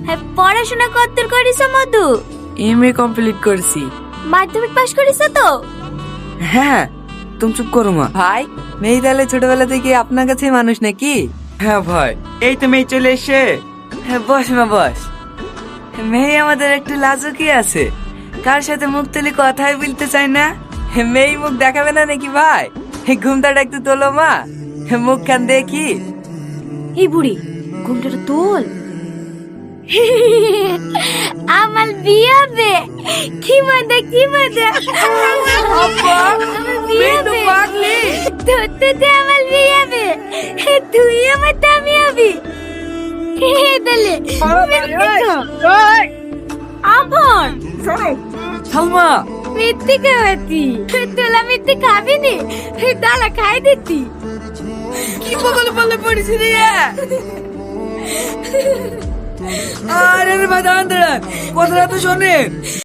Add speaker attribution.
Speaker 1: পড়াশোনা কতদূর করিস মধু?
Speaker 2: এমএ কমপ্লিট করছি।
Speaker 1: মাধ্যমিক পাশ করিস তো?
Speaker 2: হ্যাঁ, তুমি চুপ করো মা। ভাই, মেয়ে তাহলে ছোটবেলা থেকে আপনার কাছে মানুষ নাকি? হ্যাঁ ভাই, এই তো মেয়ে চলে এসে। হ্যাঁ বস মা বস। মেয়ে আমাদের একটু লাজুকি আছে, কার সাথে মুখ তুলি কথাই বলতে চায় না। মেয়ে মুখ দেখাবে না নাকি ভাই? ঘুমটাটা একটু তোলো মা, মুখ খান দেখি।
Speaker 1: এই বুড়ি, ঘুমটাটা তোল। আমার বিয়ে হবে, কি মজা কি মজা।
Speaker 2: আব্বা,
Speaker 1: আমার বিয়ে
Speaker 2: মেয়ে তো
Speaker 1: হবে।
Speaker 2: পাগলি।
Speaker 1: তোর তো যে আমার বিয়ে হবে, তুই আমার দামি হবি। তাহলে আবার
Speaker 2: সালমা,
Speaker 1: মিথ্যে খাওয়াতি, তোলা মিথ্যে খাবি নি, দালা খাই দিতি।
Speaker 2: কি বগল বলে পড়েছি রে? আরে ভাই দাঁড়ান দাঁড়ান, কথাটা তো শোনে।